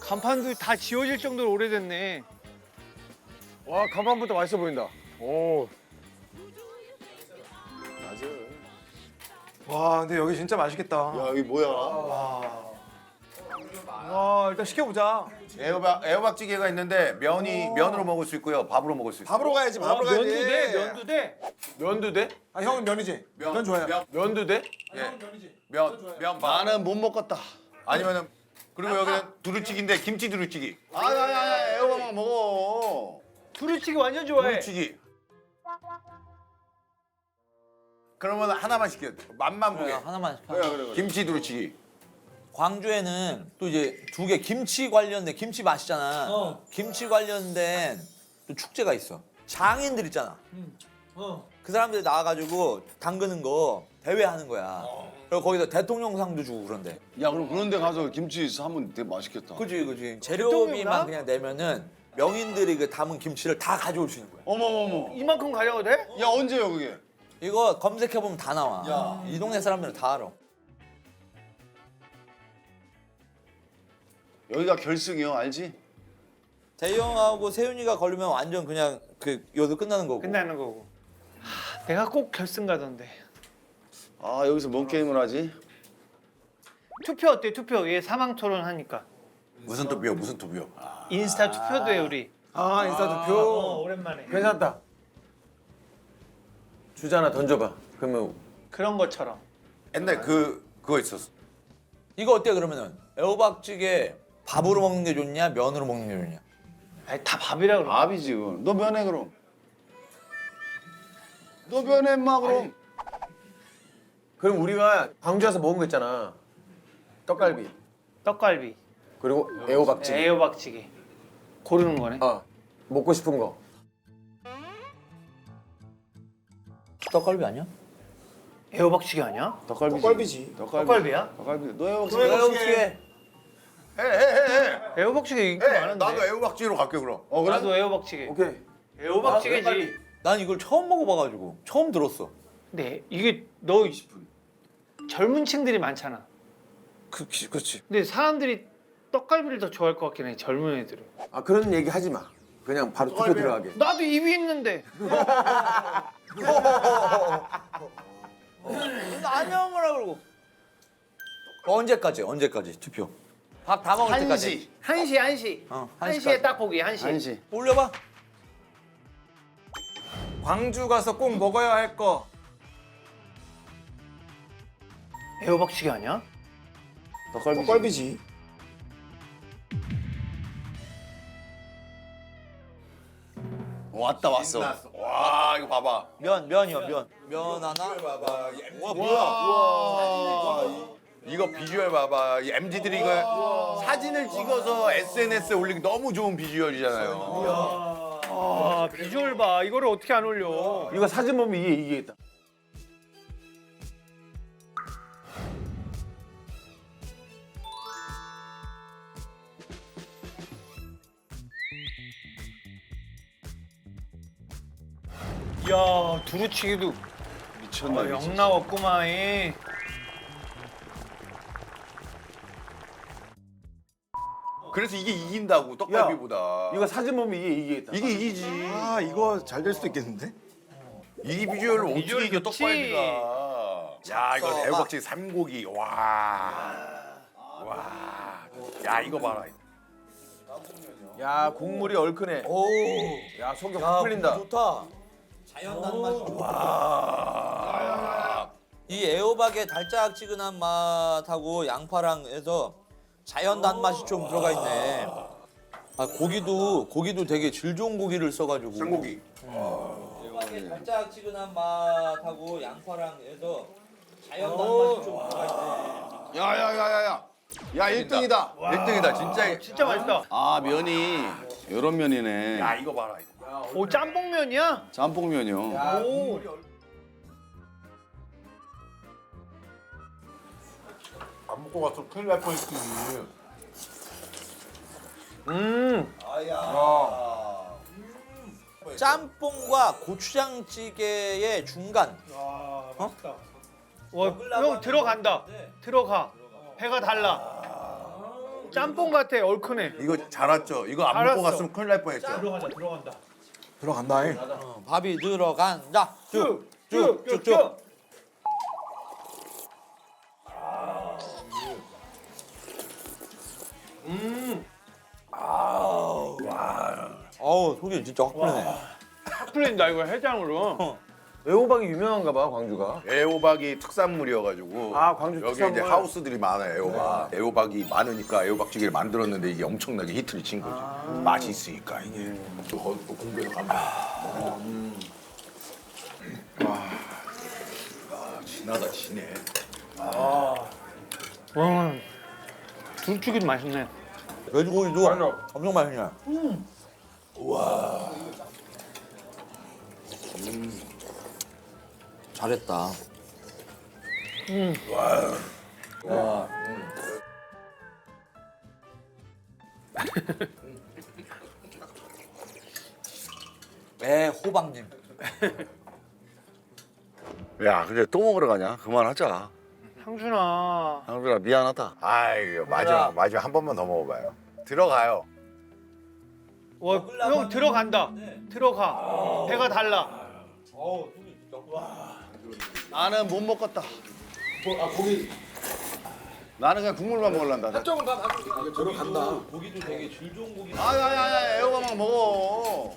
간판도 다 지워질 정도로 오래됐네. 와 간판부터 맛있어 보인다. 오. 와 근데 여기 진짜 맛있겠다. 야 여기 뭐야? 와 일단 시켜보자. 애호박찌개가 있는데 면으로 먹을 수 있고요, 밥으로 먹을 수 있어요. 밥으로 가야지. 밥으로 가야지. 면도 돼, 면도 돼. 면도 돼? 아 형은 면이지. 면 좋아요. 면도 돼? 예. 면 밥. 나는 못 먹겠다. 아니면은 그리고 여기는 두루치기인데 김치 두루치기. 아야야야 애호박만 먹어. 두루치기 완전 좋아해. 두루치기. 그러면 하나만 시켜. 맛만 보게. 하나만. 그래. 김치 두루치기. 광주에는 또 이제 두 개 김치 관련된 김치 맛있잖아. 김치 관련된 또 축제가 있어. 장인들 있잖아. 그 사람들이 나와가지고 담그는 거 대회하는 거야. 그리고 거기서 대통령상도 주고 그런데. 야 그럼 그런데 가서 김치 하면 되게 맛있겠다. 그지. 대통령상? 재료비만 그냥 내면은 명인들이 그 담은 김치를 다 가져올 수 있는 거야. 어머머머. 이만큼 가져가도 돼? 야 언제요 그게? 이거 검색해보면 다 나와. 야. 이 동네 사람들은 다 알아. 여기가 결승이요 알지? 대형하고 세윤이가 걸리면 완전 그냥 그 요도 끝나는 거고. 끝나는 거고. 내가 꼭 결승 가던데. 아 여기서 뭔 게임을 하지? 투표 어때? 투표. 얘 사망 토론 하니까. 무슨 투표? 무슨 투표? 인스타 투표도 해 우리. 아 인스타 투표. 오랜만에. 괜찮다. 주제 하나 던져봐. 그러면 그런 것처럼. 옛날 그거 있었어. 이거 어때 그러면은 애호박찌개 밥으로 먹는 게 좋냐 면으로 먹는 게 좋냐? 아니 다 밥이라 그러. 밥이지 그럼. 너 면해 그럼. 너 면해 인마 그럼. 그럼 우리가 광주 와서 먹은 거 있잖아. 떡갈비 떡갈비. 그리고 애호박찌개. 애호박찌개. 고르는 거네. 먹고 싶은 거. 떡갈비 아니야? 애호박찌개 아니야? 떡갈비지. 떡갈비야? 떡갈비. 너 해먹지. 애호박찌개. 해. 애호박찌개 인기 해. 많은데. 나도 애호박찌개로 갈게 그럼. 그래? 나도 애호박찌개. 오케이. 애호박찌개지. 난 이걸 처음 먹어봐가지고 처음 들었어. 근데 이게 너 젊은 층들이 많잖아. 그렇지. 근데 사람들이 떡갈비를 더 좋아할 것 같긴 해. 젊은 애들은. 아 그런 얘기 하지 마. 그냥 바로 투표 들어가게. 나도 입이 있는데. 아니야 뭐라 그러고. 언제까지 투표? 밥 다 먹을 때까지. 1시. 어, 1시에 떡볶이 1시. 한시. 올려봐. 광주 가서 꼭 먹어야 할 거. 애호박찌개 아니야? 떡갈비지. 왔다 왔어. 와 이거 봐봐. 면이요 면. 면 하나. 와 뭐야? 이거 비주얼 봐봐. 이 MZ들이 이거 사진을 찍어서 SNS에 올리기 너무 좋은 비주얼이잖아요. 아 비주얼 봐. 이거를 어떻게 안 올려? 이거 사진 보면 이게 있다. 이야 두루치기도 미쳤나 영 나왔구만. 이. 그래서 이게 이긴다고 떡갈비보다. 이거 사진 보면 이게 있다. 이게 이기지. 아 이거 잘 될 수도 있겠는데? 이 비주얼을 어떻게 비주얼 이겨 좋지. 떡갈비가. 야 이거 애호박찌개 삼고기. 와. 야 이거 봐라. 야 국물이 얼큰해. 오. 야 속이 야, 확 풀린다. 좋다. 자연 단맛이 좋아. 와. 이 애호박의 달짝지근한 맛하고 양파랑 해서 자연 단맛이 좀 들어가 있네. 아 고기도 되게 질 좋은 고기를 써가지고. 삼고기. 애호박의 달짝지근한 맛하고 양파랑 해서 자연 단맛이 좀 들어가 있네. 야야야야야. 야 1등이다. 1등이다 진짜. 진짜 맛있다. 아 면이 이런 면이네. 야 이거 봐라. 이거. 오 짬뽕면이야? 짬뽕면이요. 오. 안 먹고 가서 큰일 날 뻔했지. 짬뽕과 고추장찌개의 중간. 와, 형 들어간다. 들어가. 배가 달라. 짬뽕 같아. 얼큰해. 이거 잘 왔죠? 이거 안 알았어. 먹고 갔으면 큰일 날 뻔했죠. 들어간다. 밥이 들어간다. 쭉쭉쭉쭉. 어우 속이 진짜 확 풀리네. 확 풀린다 이거 해장으로. 애호박이 유명한가 봐 광주가. 애호박이 특산물이어가지고 아, 광주 여기 특산물. 이제 하우스들이 많아요. 애호박. 애호박이 많으니까 애호박찌개를 만들었는데 이게 엄청나게 히트를 친 거지. 맛이 있으니까 이게. 또 거기 또 공부해서 가면. 진하다 진해. 와, 둘죽이 맛있네. 돼지고기도 엄청 맛있네. 잘했다. 호박님. 야, 근데 또 먹으러 가냐? 그만하자. 상준아. 상준아 미안하다. 아이고 마지막 한 번만 더 먹어봐요. 들어가요. 와, 형 들어간다. 들어가. 배가 달라. 나는 못 먹겠다. 나는 그냥 국물만 먹을란다. 고기도 되게 질 좋은 고기. 아야야야 애호박만 먹어.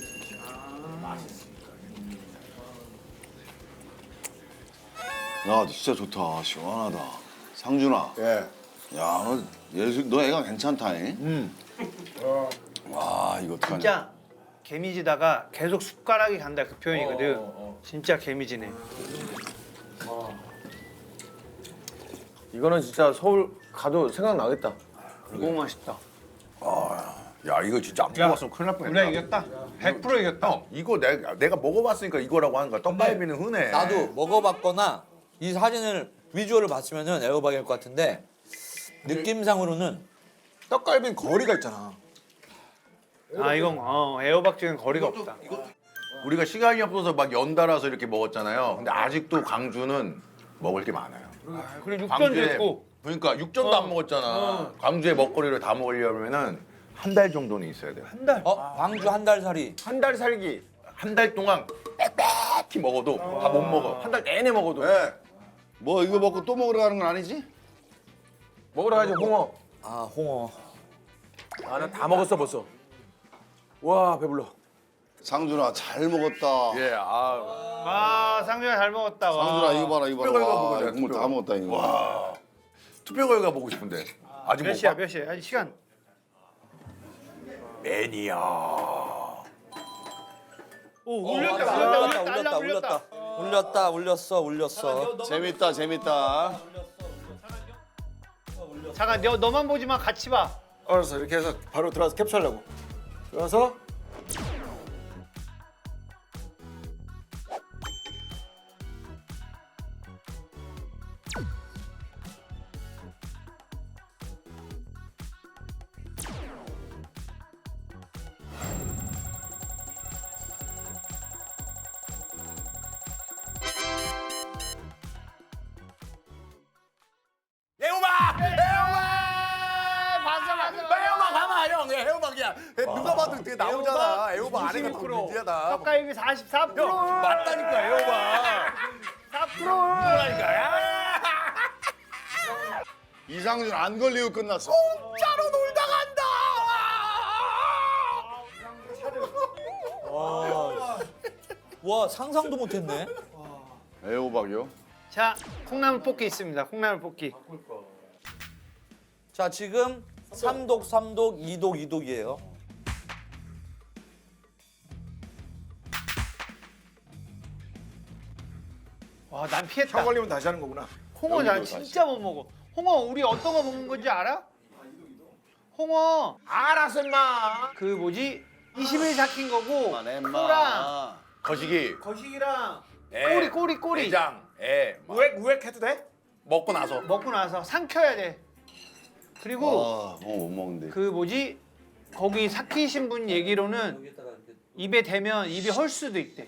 야, 진짜 좋다. 시원하다. 상준아. 예. 야, 너 애가 괜찮다잉. 와, 이거 어떡하냐. 진짜 개미지다가 계속 숟가락이 간다 그 표현이거든. 진짜 개미지네. 이거는 진짜 서울 가도 생각나겠다. 너무 맛있다. 야 이거 진짜 안 먹었으면 큰일 날 뻔했다. 우리가 이겼다. 100% 이겼다. 형 이거 내가 먹어봤으니까 이거라고 하는 거야. 떡갈비는 흔해. 나도 먹어봤거나 이 사진을 비주얼을 봤으면은 애호박일 것 같은데 느낌상으로는 떡갈비는 거리가 있잖아. 아 이건 애호박찌개는 거리가 없다. 우리가 시간이 없어서 막 연달아서 이렇게 먹었잖아요. 근데 아직도 광주는 먹을 게 많아요. 그리고 육전도 있고. 그러니까 육전도 안 먹었잖아. 광주의 먹거리를 다 먹으려면은 한 달 정도는 있어야 돼요. 한 달. 광주 한 달 살이. 한 달 살기. 한 달 동안 빽빽히 먹어도 다 못 먹어. 한 달 내내 먹어도. 네. 뭐 이거 먹고 또 먹으러 가는 건 아니지? 먹으러 가지 홍어. 아 홍어. 아 나 다 먹었어 벌써. 와 배불러. 상준아 잘 먹었다. 예, 아 상준아 잘 먹었다. 와. 상준아 이거 봐라 이거 봐라. 특별한 거 와, 먹어야 돼, 국물 다 특별. 먹었다 이거. 와. 투표 결과 보고 싶은데. 아직 몇 못 시야 봐? 몇 시야? 아니 시간. 매니아. 오 울렸다 울렸어. 재밌다 재밌다. 잠깐 너만 보지 마 같이 봐. 알았어 이렇게 해서 바로 들어가서 캡처하려고. 들어가서 애호박! 애호박! 애호박 가만 형. 애호박이야. 누가 봐도 되게 나오잖아. 애호박 안에가 더 26%. 미지하다. 떡갈비 44%. 형 맞다니까 애호박. 4%라니까. 이상준 안 걸리고 끝났어. 짜로 놀다 간다. 와 상상도 못했네. 애호박이요? 자 콩나물 볶기 있습니다. 콩나물 볶기. 자 지금 3독 2독 2독이에요. 와 난 피했다. 형 걸리면 다시 하는 거구나. 홍어 난 진짜 못 먹어. 홍어 우리 어떤 거 먹는 건지 알아? 홍어 알았어 임마. 그 뭐지? 20일 삭힌 거고 그만해, 인마. 코랑 거시기. 거식이랑 애, 꼬리 내장. 애. 우액 해도 돼? 먹고 나서. 먹고 나서 삼켜야 돼. 그리고 아, 못 먹는데. 그 뭐지? 거기 삭히신 분 얘기로는 입에 대면 입이 헐 수도 있대.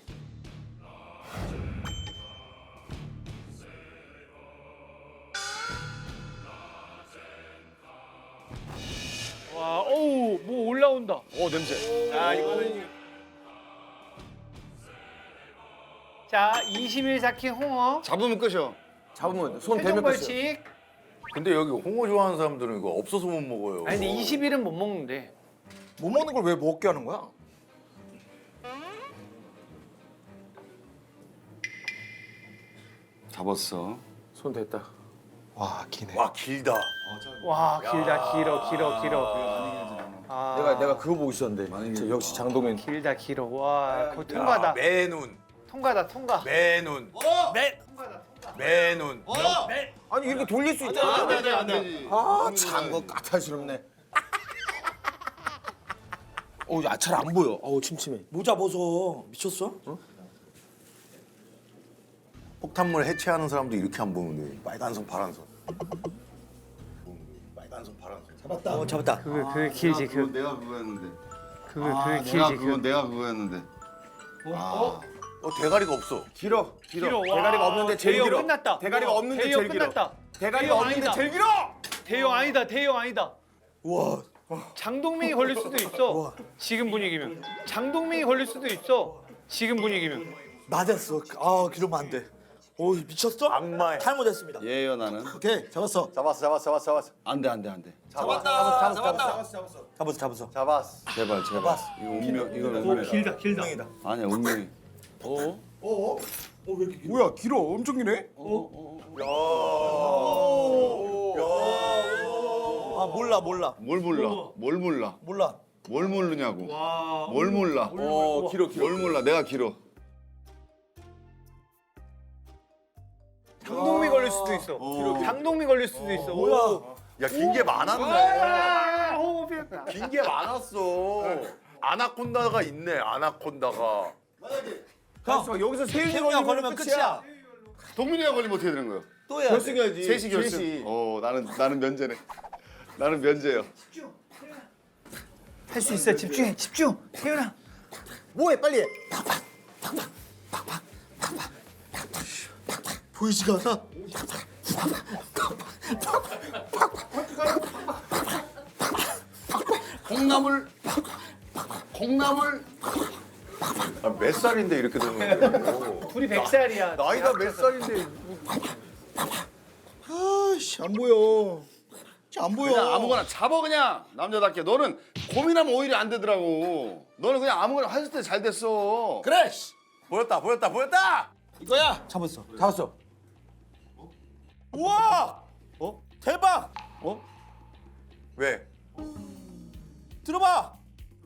올라온다. 냄새. 아 이거는 자, 21 삭힌 홍어. 잡으면 끝이요. 잡으면 손 최종 대면 끝이야. 벌칙. 근데 여기 홍어 좋아하는 사람들은 이거 없어서 못 먹어요. 아니 근데 21은 못 먹는데. 못 먹는 걸 왜 먹게 하는 거야? 잡았어. 손 됐다. 와 기네. 와 길다. 와, 길다. 길어. 아, 내가 그거 보고 있었는데. 역시 장동현. 길다. 와, 거의 통과다. 매눈. 통과. 매눈. 매눈. 아니 이렇게 돌릴 수 있잖아. 안 되지. 아참 거 까탈스럽네. 잘 안 보여. 침침해. 모자 벗어. 미쳤어? 폭탄물 해체하는 사람도 이렇게 안 보는데 빨간선 파란선. 빨간선 파란선. 잡았다. 그게 길지. 그건 내가 그거였는데. 그게 길지. 내가 그거였는데. 대가리가 없어. 길어. 길어. 와, 대가리가 없는데 제일 대형 길어. 끝났다. 대가리가 없는데 대형 제일 길어. 끝났다. 대가리가 대형 없는데 아니다. 제일 길어. 대형 아니다. 우와. 장동민이 걸릴 수도 있어. 지금 분위기면. 장동민이 걸릴 수도 있어. 지금 분위기면. 맞았어. 아 그러면 안 돼. 오 미쳤어? 악마야. 탈모됐습니다. 예요 나는. 오케이 잡았어. 잡았어. 안 돼. 잡았어. 제발. 이거 운명 이거 운명. 길다. 아니야 운명이. 뭐야 길어. 엄청 기네. 아 몰라. 뭘 몰라? 뭘 모르냐고. 뭘 몰라? 길어. 뭘 몰라? 내가 길어. 장동민 걸릴 수도 있어. 장동민 걸릴 수도 있어. 뭐야? 야 긴 게 많았네. 아, 호흡이. 긴 게 많았어. 아나콘다가 있네. 아나콘다가. 형 여기서 세윤이 태웅이가 걸리면 걸리면 끝이야. 동민이가 걸리면 어떻게 되는 거야? 또 해야 돼. 결승해야지. 셋이 결승. 나는 면제네. 나는 면제요. 할 수 있어. 집중. 태윤아. 뭐해 빨리 해. 보이지가 않아. 콩나물. 몇 살인데 이렇게 되는 거야? 둘이 100살이야. 나이가 몇 살인데? 아씨 안 보여. 안 보여. 그냥 아무거나 잡아 그냥 남자답게. 너는 고민하면 오히려 안 되더라고. 너는 그냥 아무거나 했을 때 잘 됐어. 그래. 보였다. 이거야. 잡았어. 우와. 대박. 왜? 들어봐.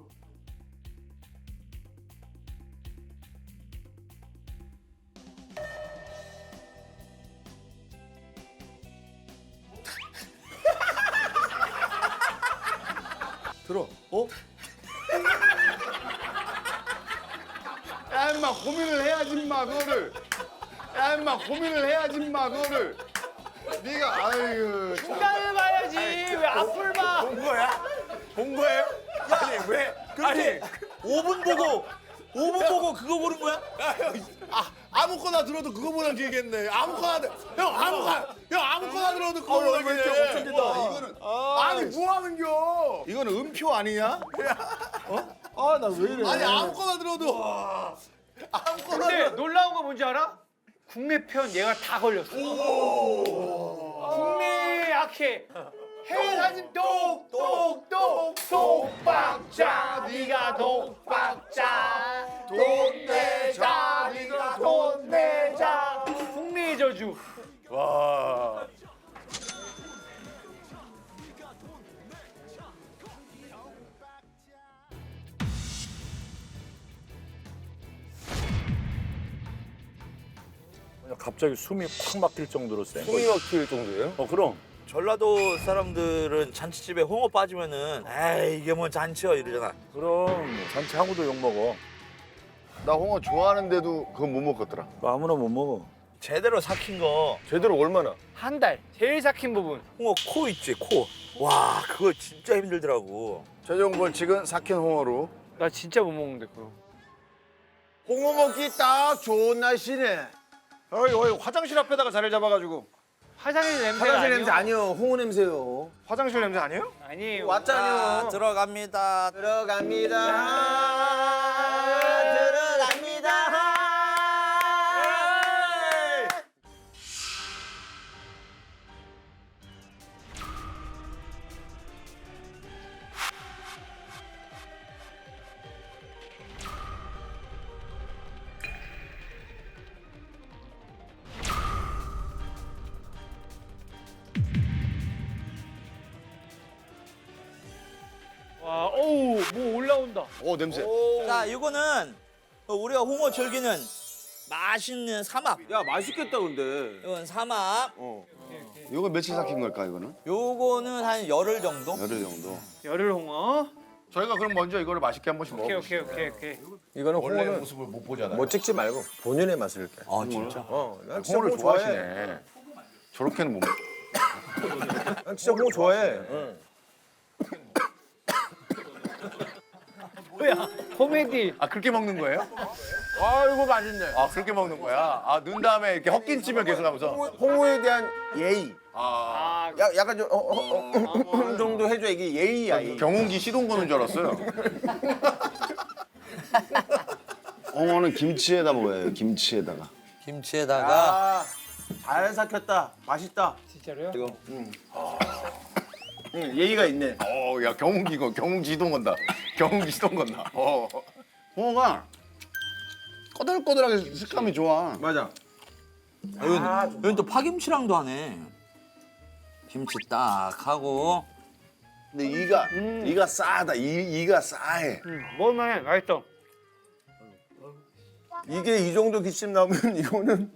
들어. 야 임마 고민을 해야지 임마 그거를. 네가 아이고. 중간을 봐야지. 왜 앞을 봐? 본 거예요? 아니 왜? 그렇지. 5분 보고 그거 보는 거야? 아무거나 들어도 그거보다 길겠네. 아무거나 들어도 그거보다 길겠네. 이거는 아니 뭐 하는겨? 이거는 음표 아니냐? 아 나 왜 이래. 아니 아무거나 들어도 근데 놀라운 거 뭔지 알아? 국내 편 얘가 다 걸렸어. 국내 약해. 해외 사진 똑똑똑 독박자 네가 독박자 돈 내자 네가 돈 내자 국내의 저주. 와. 갑자기 숨이 팍 막힐 정도로 센 숨이 막힐 정도예요? 그럼 전라도 사람들은 잔치집에 홍어 빠지면은 에이 이게 뭔 잔치야 이러잖아. 그럼 잔치하고도 욕먹어. 나 홍어 좋아하는데도 그건 못 먹겠더라. 아무나 못 먹어. 제대로 삭힌 거 제대로 얼마나? 한 달 제일 삭힌 부분. 홍어 코 있지 코. 와 그거 진짜 힘들더라고. 최종 벌칙은 삭힌 홍어로. 나 진짜 못 먹는데 그거. 홍어 먹기 딱 좋은 날씨네. 어이 화장실 앞에다가 자리를 잡아가지고. 화장실 냄새 화장실 아니요? 냄새 아니요. 홍어 냄새요. 화장실 냄새 아니에요? 아니에요. 왔잖아요. 들어갑니다. 들어갑니다. 들어갑니다. 와, 어우, 뭐 올라온다. 오 냄새. 자, 이거는 우리가 홍어 즐기는 맛있는 삼합. 야 맛있겠다 근데. 이건 삼합. 이거 며칠 삭힌 걸까 이거는? 요거는 한 열흘 정도? 열흘 정도. 열흘 홍어. 저희가 그럼 먼저 이거를 맛있게 한 번씩 오케이, 먹어보시죠. 오케이. 이거는 원래 홍어는 모습을 못 보잖아요. 뭐 찍지 말고 본연의 맛을 이렇게. 아, 진짜? 난 진짜 홍어를 홍어 좋아해. 좋아하시네. 저렇게는 못 먹. 난 진짜 홍어 좋아해. 뭐야, 코미디. 아 그렇게 먹는 거예요? 아이고 맛있네. 아 그렇게 먹는 거야? 아 넣은 다음에 이렇게 헛긴 찜을 계속하면서. 홍어에 대한 예의. 아 약간 좀 정도 해줘 이게 예의야. 예의. 경운기 시동 거는 줄 알았어요. 홍어는 김치에다 먹어야 해요. 김치에다가. 김치에다가 잘 삭혔다. 맛있다. 진짜로요? 예의가 있네. 야 경운기 이거 경운기 시동 건다. 경운기 시동 건다. 홍어가 꼬들꼬들하게 식감이 좋아. 맞아. 여긴 또 파김치랑도 하네. 김치 딱 하고. 근데 이가 싸다. 이가 싸해. 먹을만해, 맛있어. 이게 이 정도 기침 나오면 이거는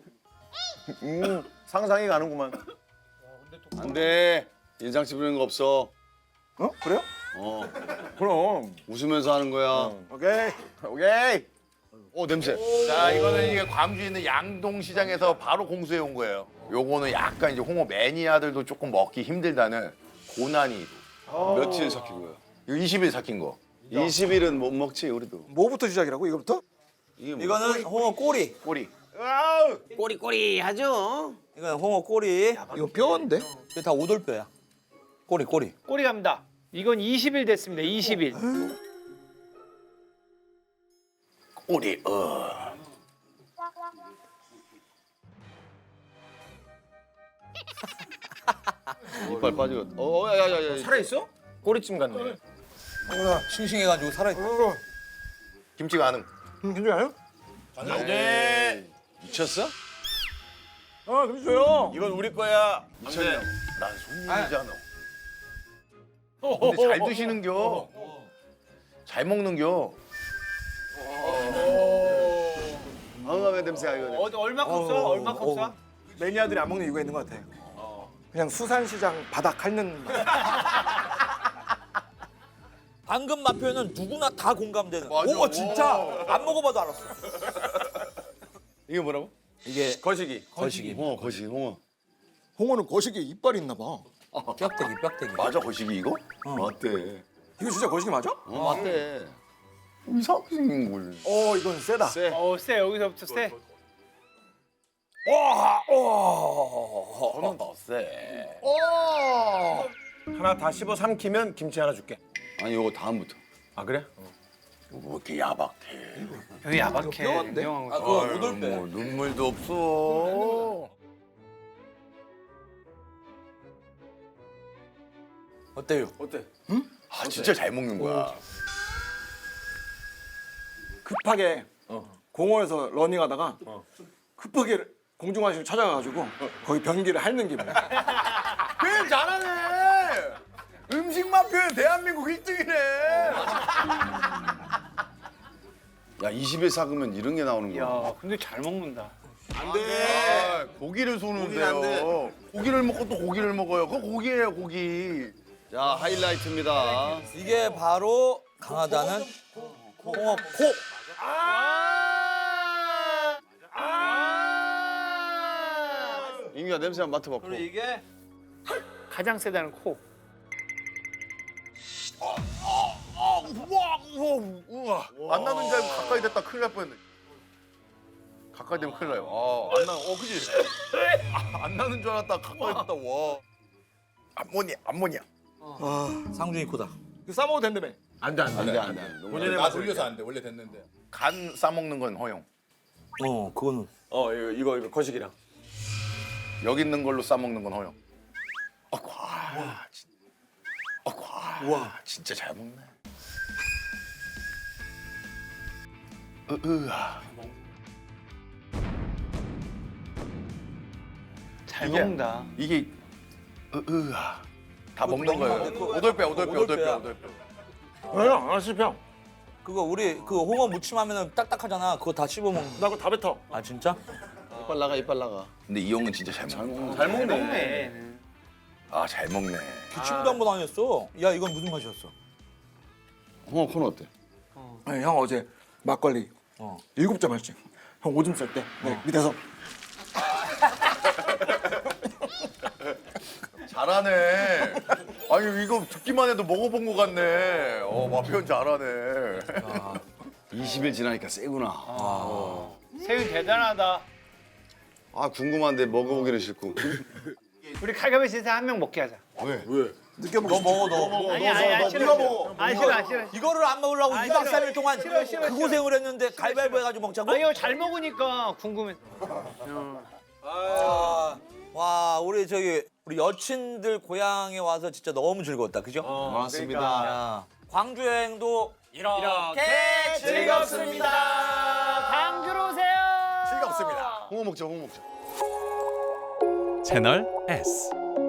상상이 가는구만. 안 돼. 인상씨 부리는 거 없어. 어? 그래요? 그럼. 웃으면서 하는 거야. 오케이. 냄새. 자 이거는 이게 광주에 있는 양동시장에서 바로 공수해 온 거예요. 요거는 약간 이제 홍어 매니아들도 조금 먹기 힘들다는 고난이. 며칠 삭힌 거야? 이거 20일 삭힌 거. 20일은 못 먹지 우리도. 뭐부터 시작이라고 이거부터? 이거는 홍어 꼬리. 꼬리. 꼬리꼬리하죠. 이거는 홍어 꼬리. 이거 뼈인데? 이게 다 오돌뼈야. 꼬리. 꼬리 갑니다. 이건 20일 됐습니다, 20일. 꼬리. 이빨 빠지고. 야야야야. 살아있어? 꼬리찜 같네. 싱싱해가지고 살아있다. 김치 가능. 괜찮아요? 네. 미쳤어? 괜찮아요. 이건 우리 거야. 미쳤냐? 난 손님이잖아. 근데 잘 드시는겨. 잘 먹는겨. 황감의 냄새야 이거. 얼마큼 써? 얼마큼 써? 매니아들이 안 먹는 이유가 있는 것 같아. 그냥 수산시장 바닥 핥는 맛. 방금 맛 표현은 누구나 다 공감되는. 맞아. 오, 진짜 안 먹어봐도 알았어. 이게 뭐라고? 이게 거시기. 거시기. 홍어 거시 홍어. 홍어는 거시기에 이빨이 있나 봐. 뼈대기. 맞아 거시기 이거? 맞대. 이거 진짜 거시기 맞아? 맞대. 이상하게 생긴 걸. 이건 세다. 쎄. 세, 여기서부터 세. 저는 더 세. 하나 다 씹어 삼키면 김치 하나 줄게. 아니 요거 다음부터. 아 그래? 뭐 이렇게 야박해. 여기 야박해. 뼈인데? 냉정한 거. 그거 오돌뼈. 뭐 눈물도 없어. 어때요? 어때? 아 진짜 잘 먹는 거야. 급하게 공원에서 러닝하다가 급하게 공중화실 찾아가가지고 거기 변기를 핥는 기분. 표현 잘하네. 음식만 표현 대한민국 1등이네. 야 20일 삭으면 이런 게 나오는 거야. 야, 근데 잘 먹는다. 안 돼. 고기를 고기는 안 돼. 쏘는데요. 고기를 먹고 또 고기를 먹어요. 그거 고기예요, 고기. 자 하이라이트입니다. 이게 바로 강하다는 홍어 코. 인규야 냄새 한번 맡아봐. 이게 가장 세다는 코. 우와. 안 나는 줄 알고 가까이 됐다 큰일 날 뻔했네. 가까이 되면 큰일 나요. 안 나. 그지? 안 나는 줄 알았다. 가까이 갔다. 와. 암모니아. 상준이 코다. 그 싸먹어도 된다며. 안돼. 본인의 맛 올려서 안 돼. 원래 됐는데. 간 싸먹는 건 허용. 그거는. 이거 거식이랑. 여기 있는 걸로 싸먹는 건 허용. 와, 진짜 잘 먹네. 잘 먹는다. 이게 다 먹는 거예요. 오돌뼈. 형, 안 씹혀. 그거 우리 그 홍어 무침하면은 딱딱하잖아. 그거 다 씹어 먹는. 나 그거 다 뱉어. 아 진짜? 이빨 나가. 근데 이 형은 진짜 잘 먹네. 잘 먹네. 아, 잘 먹네. 기침도 한 번 아니었어. 야 이건 무슨 맛이었어? 홍어 코는 어때? 아니, 형 어제 막걸리 7잔 마셨지. 형 오줌 쌀 때 밑에서 잘하네. 아니 이거 듣기만 해도 먹어본 것 같네. 마표현 잘하네. 20일 지나니까 세구나. 세윤 대단하다. 아 궁금한데 먹어보기는 싫고. 우리 칼가베시에서 한 명 먹게 하자. 왜? 느껴 너 먹어 너. 아니 싫어. 싫어. 이거를 안 먹으려고 아, 2박 싫어. 3일 동안 싫어. 그 고생을 했는데 가위바위보 해가지고 먹자고? 아 이거 잘 먹으니까 궁금해. 와 우리 우리 여친들 고향에 와서 진짜 너무 즐거웠다 그죠? 고맙습니다. 야, 광주 여행도 이렇게 즐겁습니다. 광주로 오세요. 즐겁습니다. 홍어 먹자. 채널 S.